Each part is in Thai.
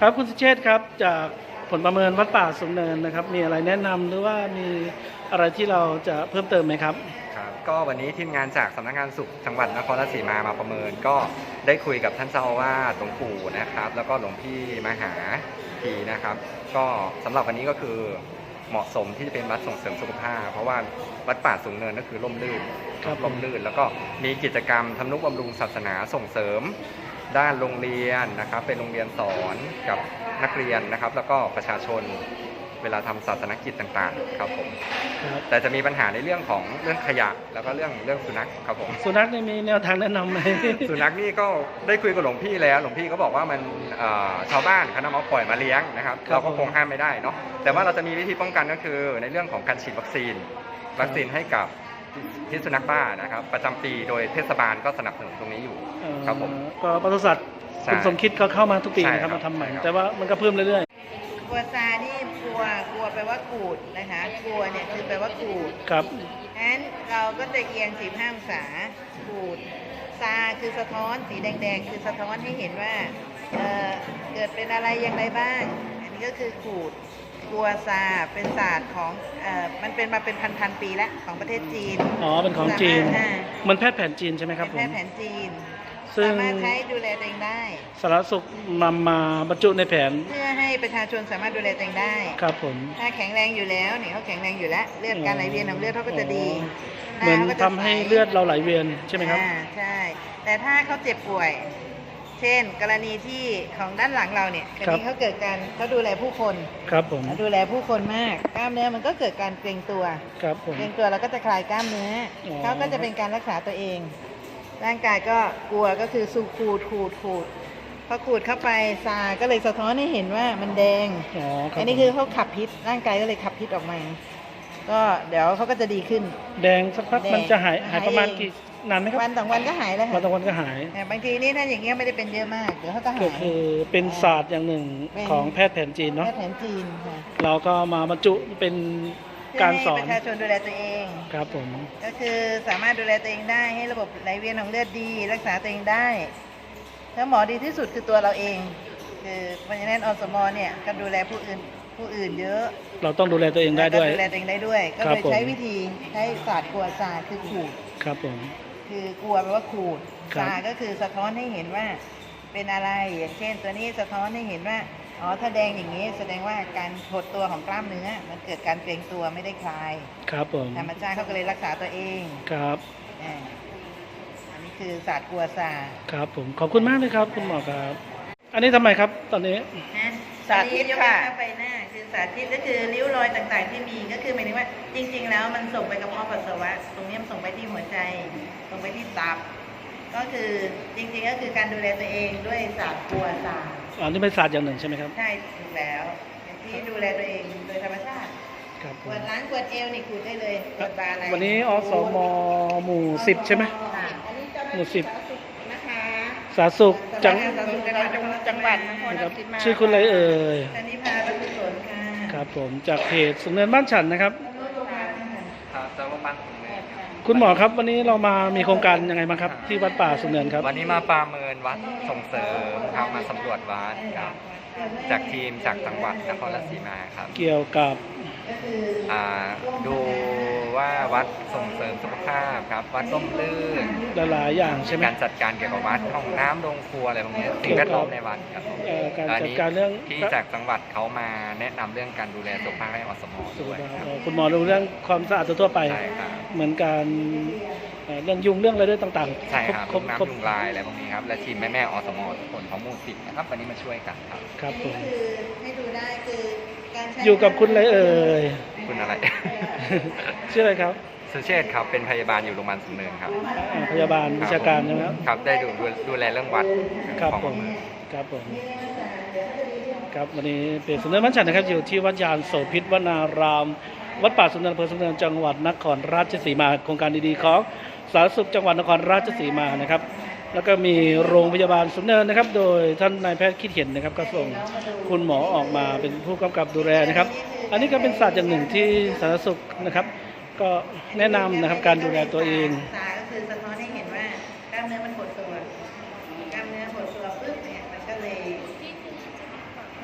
ครับคุณสุเชษฐ์ครับจากผลประเมินวัดป่าสูงเนินนะครับมีอะไรแนะนำหรือว่ามีอะไรที่เราจะเพิ่มเติมไหมครับครับก็วันนี้ทีมงานจากสำนักงานสุขจังหวัดนครราชสีมาประเมินก็ได้คุยกับท่านเจ้าอาวาสหลวงปู่นะครับแล้วก็หลวงพี่มหาทีนะครับก็สำหรับวันนี้ก็คือเหมาะสมที่จะเป็นวัดส่งเสริมสุขภาพเพราะว่าวัดป่าสูงเนินก็คือร่มรื่นร่มรื่นแล้วก็มีกิจกรรมทำนุบำรุงศาสนาส่งเสริมด้านโรงเรียนนะครับเป็นโรงเรียนสอนกับนักเรียนนะครับแล้วก็ประชาชนเวลาทำศาสนกิจต่างๆครับผมแต่จะมีปัญหาในเรื่องของเรื่องขยะแล้วก็เรื่องสุนัขครับผมสุนัขนี่มีแนวทางแนะนำไหมสุนัขนี่ก็ได้คุยกับหลวงพี่แล้วหลวงพี่ก็บอกว่ามันชาวบ้านเขานำมาปล่อยมาเลี้ยงนะครับเราก็คงห้ามไม่ได้เนาะแต่ว่าเราจะมีวิธีป้องกันก็คือในเรื่องของการฉีดวัคซีนให้กับพิษสุนัขบ้านะครับประจำปีโดยเทศบาลก็สนับสนุนตรงนี้อยู่ครับผมก็ปศุสัตว์คุณสมคิดเขาเข้ามาทุกปีนะครับมาทำใหม่แต่ว่ามันก็เพิ่มเรื่อยๆกลัวซานี่กลัวแปลว่ากูดนะคะกลัวเนี่ยคือแปลว่ากูดครับงั้นเราก็จะเอียง45 องศากูดซาคือสะท้อนสีแดงๆคือสะท้อนให้เห็นว่าเกิดเป็นอะไรอย่างไรบ้างอันนี้ก็คือกูดกัวซาเป็นศาสตร์ของมันเป็นมาเป็นพันปีแล้วของประเทศจีนอ๋อเป็นของจีนมันแพทย์แผนจีนใช่ไหมครับผมแพทย์แผนจีนสามารถใช้ดูแลตัวเองได้สาธารณสุขนำมาบรรจุในแผนเพื่อให้ประชาชนสามารถดูแลตัวเองได้ครับผมถ้าแข็งแรงอยู่แล้วเนี่ยเขาแข็งแรงอยู่แล้วเลือดการไหลเวียนของเลือดเขาก็จะดีเหมือนทำให้เลือดเราไหลเวียนใช่ไหมครับใช่แต่ถ้าเขาเจ็บป่วยเช่นกรณีที่ของด้านหลังเราเนี่ยกรณีเขาเกิดการเขาดูแลผู้คนครับผมดูแลผู้คนมากกล้ามเนื้อมันก็เกิดการเกร็งตัวครับผมเกร็งตัวแล้วก็จะคลายกล้ามเนื้อเขาก็จะเป็นการรักษาตัวเองร่างกายก็กลัวก็คือสูขูดพอขูดเข้าไปซาก็เลยสะท้อนให้เห็นว่ามันแดงอันนี้คือเขาขับพิษร่างกายก็เลยขับพิษออกมาก็เดี๋ยวเขาก็จะดีขึ้นแดงสักพักมันจะหายประมาณกี่นานไหมครับวัน2 วันก็หายแล้วค่ะวัน2 วันก็หายบางทีนี่ถ้าอย่างเงี้ยไม่ได้เป็นเยอะมากเดี๋ยวเขาก็หายก็คือเป็นศาสตร์อย่างหนึ่งของแพทย์แผนจีนเนาะแพทย์แผนจีนค่ะเราก็มาบรรจุเป็นการสอนประชาชนดูแลตัวเองครับผมก็คือสามารถดูแลตัวเองได้ให้ระบบไหลเวียนของเลือดดีรักษาตัวเองได้แล้วหมอดีที่สุดคือตัวเราเองคือเพราะฉะนั้นอสมเนี่ยก็ดูแลผู้อื่นเยอะเราต้องดูแลตัวเองได้ด้วยดูแลตัวเองได้ด้วยก็เลยใช้วิธีใช้ศาสตร์กลัวซาคือขูดครับผมคือกลัวแปลว่าขูดซาก็คือสะท้อนให้เห็นว่าเป็นอะไรอย่างเช่นตัวนี้สะท้อนให้เห็นว่าอ๋อถ้าแดงอย่างนี้แสดงว่าการหดตัวของกล้ามเนื้อมันเกิดการเกร็งตัวไม่ได้คลายครับผมธรรมชาติเขาก็เลยรักษาตัวเองครับอันนี้คือศาสตร์กัวซาครับผมขอบคุณมากเลยครับคุณหมอครับอันนี้ทำไมครับตอนนี้สาธิตค่ะไปหน้าคือสาธิตก็คือริ้วรอยต่างๆที่มีก็คือหมายถึงว่าจริงๆแล้วมันส่งไปกระเพาะปัสสาวะตรงนี้มันส่งไปที่หัวใจส่งไปที่ตับก็คือจริงๆก็คือการดูแลตัวเองด้วยศาสตร์กัวซาอันนี้เป็นศาสตร์อย่างหนึ่งใช่ไหมครับใช่ถูกแล้วที่ดูแลตัวเองโดยธรรมชาติขวดล้างขวดเอวนี่ขูดได้เลยขวดบาอะไรวันนี้อสมหมู่10ใช่ไหมหมู่10 นะคะสาธารณสุขจังหวัดนครราชสีมาชื่อคุณอะไรเอ่ยธนิพาประกุศลค่ะครับผมจากเพจสูงเนินบ้านฉันนะครับครับจากโรงพยาบาลคุณหมอครับวันนี้เรามามีโครงการยังไงบ้างครับที่วัดป่าสูงเนินครับวันนี้มาประเมินวัดส่งเสริมครับมาสำรวจวัดครับจากทีมจากจังหวัดนครราชสีมาครับเกี่ยวกับดูว่าวัดส่งเสริมสุขภาพครับวัดร่มรื่นหลายอย่างใช่ไหมการจัดการเกี่ยวกับวัดห้องน้ำโรงครัวอะไรพวกนี้สิ่งแวดล้อมในวัดครับการจัดการเรื่องที่จากจังหวัดเขามาแนะนำเรื่องการดูแลสุขภาพให้อสมด้วยคุณหมอดูเรื่องความสะอาดทั่วไปเหมือนการเรื่องยุงเรื่องอะไรด้วยต่างๆใช่ครับยุงน้ำยุงลายอะไรพวกนี้ครับและทีมแม่อสมทุกคนของหมู่10นะครับวันนี้มาช่วยกันครับครับผมให้ดูได้คือการอยู่กับคุณอะไรเอ่ยคุณอะไรชื่ออะไรครับสุเชษครับเป็นพยาบาลอยู่โรงพยาบาลสูงเนินครับพยาบาลวิชาการใช่ไหมครับได้ดูแลเรื่องวัดครับผมครับผมครับวันนี้เป็นสูงเนินบ้านฉันนะครับอยู่ที่วัดยานโสภิตวนารามวัดป่าสูงเนินอำเภอสูงเนินจังหวัดนครราชสีมาโครงการดีๆของสาธารณสุขจังหวัดนครราชสีมานะครับแล้วก็มีโรงพยาบาลสูงเนินนะครับโดยท่านนายแพทย์คิดเห็นนะครับก็ส่งคุณหมอออกมาเป็นผู้กำกับดูแลนะครับอันนี้ก็เป็นศาสตร์อย่างหนึ่งที่สาธารณสุขนะครับก็แนะนำนะครับการดูแลตัวเองก็คือสะท้อนให้เห็นว่ากล้ามเนื้อมันหดตัวกล้ามเนื้อหดตัวปุ๊บเนี่ยมันก็เลย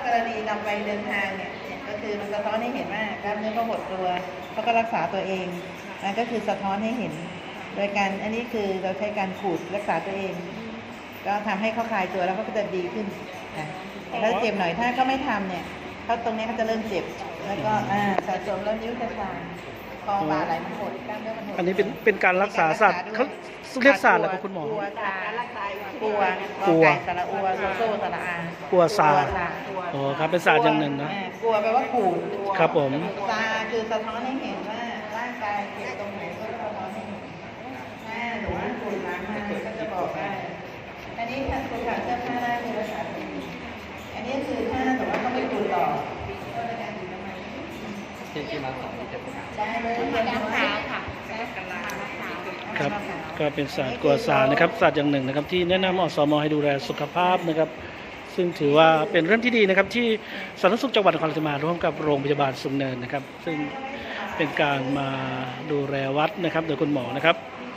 รณีนำไปเดินทางเนี่ยก็คือมันสะท้อนให้เห็นว่ากล้ามเนื้อเขาหดตัวเขาก็รักษาตัวเองมันก็คือสะท้อนให้เห็น โดยการอันนี้คือเราใช้การขูดรักษาตัวเอง ก็ทำให้เขาคลายตัวแล้วเขาก็จะดีขึ้นค่ะแต่ถ้าเจ็บหน่อยถ้าเขาไม่ทำเนี่ยเขาตรงนี้เขาจะเริ่มเจ็บแล้วก็สะสมแล้วนิ้วจะชาคอบ่าไหลมันหดกล้ามเนื้อมันหดอันนี้เป็นการรักษาศาสตร์เขาเรียกศาสตร์อะไรครับคุณหมอกลัวการรักษากลัวกลัวไก่สระอัวโซโซ่สระอากลัวซากลัวซาอ๋อครับเป็นศาสตร์อย่างหนึ่งนะกลัวแปลว่าขูดครับผมซาคือสะท้อนให้เห็นว่าร่างกายเจ็บตรงไหนก็สะท้อนให้เห็นหรือว่าขูดล้างมาก็จะบอกได้อันนี้ถ้าคุณขาดเสื้อผ้าได้คือรักษาตัวเองอันนี้คือถ้าแต่ว่าเขาไม่ขูดต่อก็ในการดูน้ำมันที่มาสอนที่จะประกาศได้เลยน้ำขาวค่ะกันลาครับก็เป็นศาสตร์กัวซานะครับศาสตร์อย่างหนึ่งนะครับที่แนะนำอสมให้ดูแลสุขภาพนะครับซึ่งถือว่าเป็นเรื่องที่ดีนะครับที่สาธารณสุขจังหวัดนครราชสีมาร่วมกับโรงพยาบาลสูงเนินนะครับซึ่งเป็นการมาดูแลวัดนะครับโดยคุณหมอนะครับ